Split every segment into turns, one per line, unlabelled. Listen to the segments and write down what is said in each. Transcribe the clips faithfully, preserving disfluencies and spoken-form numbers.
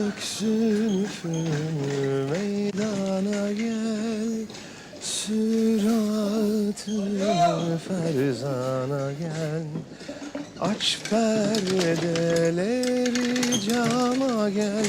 Zülfün meydana gel, süratı ferzana gel. Aç perdeleri cama gel,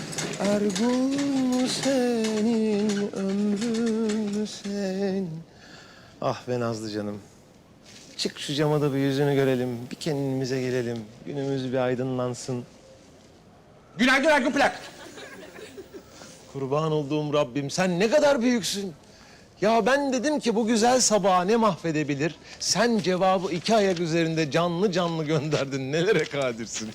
Ergun senin, ömrün sen. Ah be Nazlı canım. Çık şu cama da bir yüzünü görelim, bir kendimize gelelim. Günümüz bir aydınlansın.
Günaydın Ergun Plak.
Kurban olduğum Rabbim, sen ne kadar büyüksün. Ya ben dedim ki bu güzel sabahı ne mahvedebilir? Sen cevabı iki ayak üzerinde canlı canlı gönderdin. Nelere kadirsin?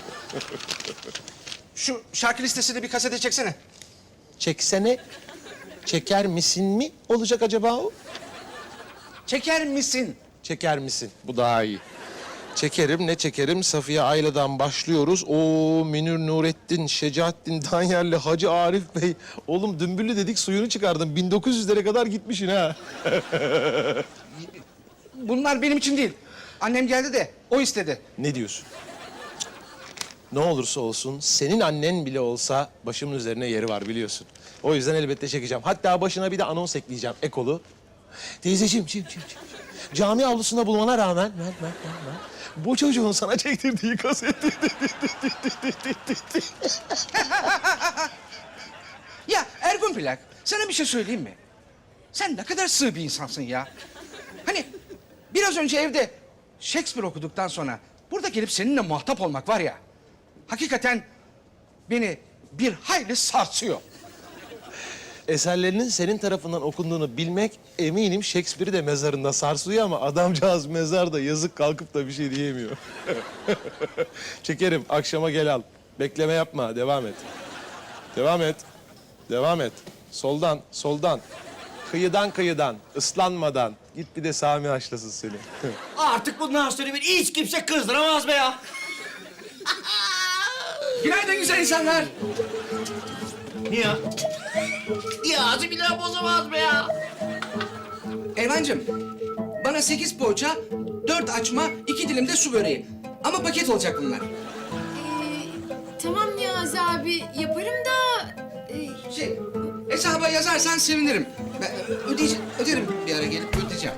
Şu şarkı listesini bir kasete çeksene.
Çeksene, çeker misin mi olacak acaba o?
Çeker misin?
Çeker misin? Bu daha iyi. Çekerim, ne çekerim? Safiye Ayla'dan başlıyoruz. O Münir Nurettin, Şecaettin Danyerli, Hacı Arif Bey. Oğlum dümbüllü dedik, suyunu çıkardım. bin dokuz yüzlere kadar gitmişsin ha.
Bunlar benim için değil. Annem geldi de o istedi.
Ne diyorsun? Ne olursa olsun, senin annen bile olsa başımın üzerine yeri var biliyorsun. O yüzden elbette çekeceğim. Hatta başına bir de anons ekleyeceğim, ekolu. Teyzeciğim, çim, çim, çim. Cami avlusunda bulmana rağmen... Ver, ver, ver, ver. Bu çocuğun sana çektirdiği kaseti...
Ya Ergun Plak, sana bir şey söyleyeyim mi? Sen ne kadar sığ bir insansın ya. Hani biraz önce evde Shakespeare okuduktan sonra burada gelip seninle muhatap olmak var ya... hakikaten beni bir hayli sarsıyor.
Eserlerinin senin tarafından okunduğunu bilmek eminim Shakespeare'i de mezarında sarsıyor ama adamcağız mezarda yazık kalkıp da bir şey diyemiyor. Çekerim, akşama gel al. Bekleme yapma, devam et. Devam et, devam et. Soldan, soldan. Kıyıdan kıyıdan, ıslanmadan. Git bir de Sami haşlasın seni.
Artık bundan sonra beni hiç kimse kızdıramaz be ya.
Günaydın güzel insanlar.
Niye? Niyazi bile bozamaz be ya.
Elvancığım, bana sekiz poğaça, dört açma, iki dilim de su böreği. Ama paket olacak bunlar.
Ee, tamam Niyazi abi yaparım da... e,
Şey, hesaba yazarsan sevinirim. Ben ödeyeceğim, öderim bir ara gelip ödeyeceğim.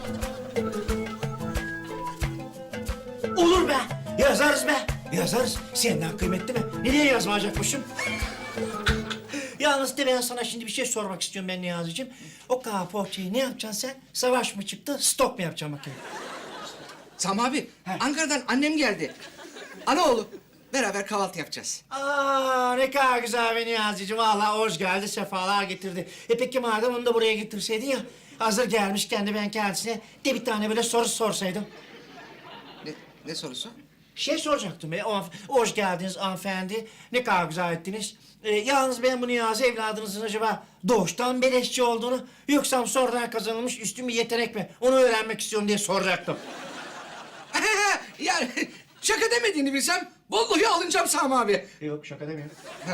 Olur be. Yazarız be. Yazarız. Senden kıymetli mi? Nereye yazmayacakmışım? Yalnız de ben sana şimdi bir şey sormak istiyorum ben Niyazi'cim. O kahve poğaçayı ne yapacaksın sen? Savaş mı çıktı, stok mu yapacaksın bakayım?
Sami abi, Ankara'dan annem geldi. Anaoğlu, beraber kahvaltı yapacağız.
Aa ne kadar güzel be Niyazi'cim. Vallahi hoş geldi, sefalar getirdi. E peki madem onu da buraya getirseydin ya... hazır gelmişken de ben kendisine de bir tane böyle soru sorsaydım.
Ne, ne sorusu?
Şey soracaktım be, o, hoş geldiniz hanımefendi. Ne kadar güzel ettiniz. Ee, yalnız ben bu Niyazi evladınızın acaba doğuştan beleşçi olduğunu... yoksa sonradan kazanılmış üstün bir yetenek mi? Onu öğrenmek istiyorum diye soracaktım.
Yani şaka demediğini bilsem vallahi alınacağım Sami abi.
Yok şaka demiyorum.
Ha.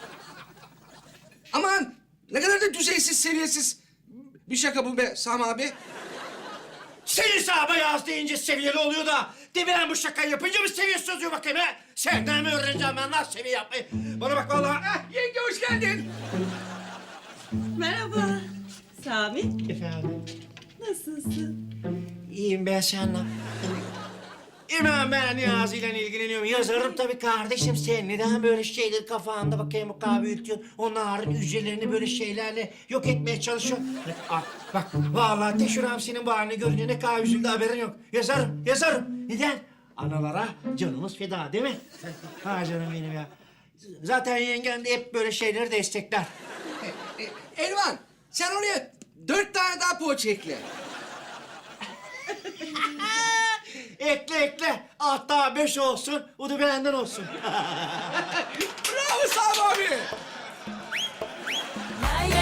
Aman ne kadar da düzeysiz, seviyesiz bir şaka bu be Sami abi.
Senin sahaba yaz deyince seviyeli oluyor da... de ben bu şakayı yapınca mı seviyesiz oluyor bakayım he? Senden mi öğreneceğim ben lan seviye yapmayı? Bana bak vallahi...
Ah, yenge hoş geldin.
Merhaba. Sami,
Efendim?
nasılsın?
İyiyim ben seninle. İmam ben Niyazi ile ilgileniyorum. Yazarım tabii kardeşim sen. Neden böyle şeyleri kafanda bakayım o kahve ültüyorsun? Onların hücrelerini böyle şeylerle yok etmeye çalışıyorsun. Ah, bak vallahi teşhüram senin bu halini görünce ne kadar üzüldü haberin yok. Yazarım, yazarım. Neden? Analara canımız feda değil mi? Ha canım benim ya. Zaten yengen de hep böyle şeyleri destekler.
E, Elvan sen oraya dört tane daha poğaça ekle.
Ekle ekle. Hatta beş olsun. O da benden olsun.
Bravo Sami abi.
Lay